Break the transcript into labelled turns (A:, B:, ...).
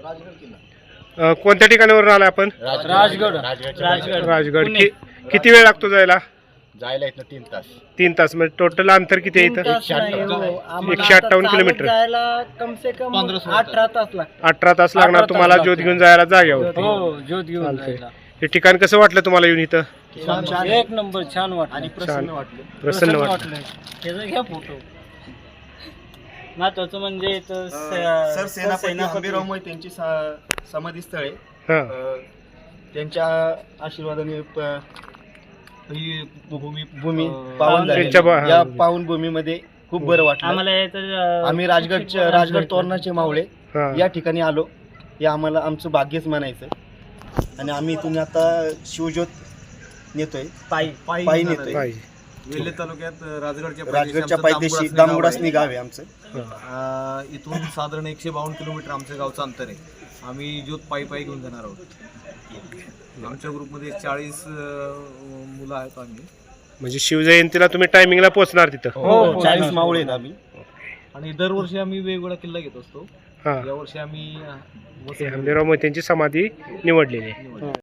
A: कोणत्या ठिकाणावरून आला आपण? राजगड. किती वेळ लागतो जायला?
B: इथं 3 तास.
A: 3 तास. म्हणजे टोटल अंतर किती आहे इथं? 158 किलोमीटर.
C: कम से कम 18 तास लागतात.
A: 18 तास लागणार तुम्हाला ज्योत घेऊन जायला जाग्यावर.
C: हो, ज्योत घेऊन जायला.
A: हे ठिकाण कसं वाटलं तुम्हाला येऊन इथं?
C: एक नंबर, छान वाटलं आणि प्रसन्न वाटलं. त्याचा घ्या फोटो. महत्वाचं म्हणजे
B: सर सेनापती हंबीरराव मोहितेंची समाधी स्थळ आहे. त्यांच्या आशीर्वादाने ही भूमी पावन झाली. या पावन भूमीमध्ये खूप बरं वाटलं आम्हाला. आम्ही राजगड तोरणाचे मावळे या ठिकाणी आलो, हे आम्हाला आमचं भाग्यच म्हणायचं. आणि आम्ही इथून आता शिवज्योत नेतोय, पायी नेतोय.
D: वेल्हे तालुक्यात
B: राजगडच्या पायदेशी दामगुडासनी गाव आहे आमचं.
D: इथून साधारण 152 किलोमीटर आमच्या गावचं अंतर आहे. आम्ही ज्योत पायी घेऊन जाणार आहोत. आमच्या ग्रुपमध्ये 40 मुलं आहेत आम्ही.
A: म्हणजे शिवजयंतीला तुम्ही टायमिंगला पोहोचणार तिथं?
B: 40 मावळे आहेत आम्ही.
D: आणि दरवर्षी आम्ही वेगवेगळा किल्ला घेत असतो. यावर्षी आम्ही
A: हंबीरराव मोहितेंची समाधी निवडलेली आहे.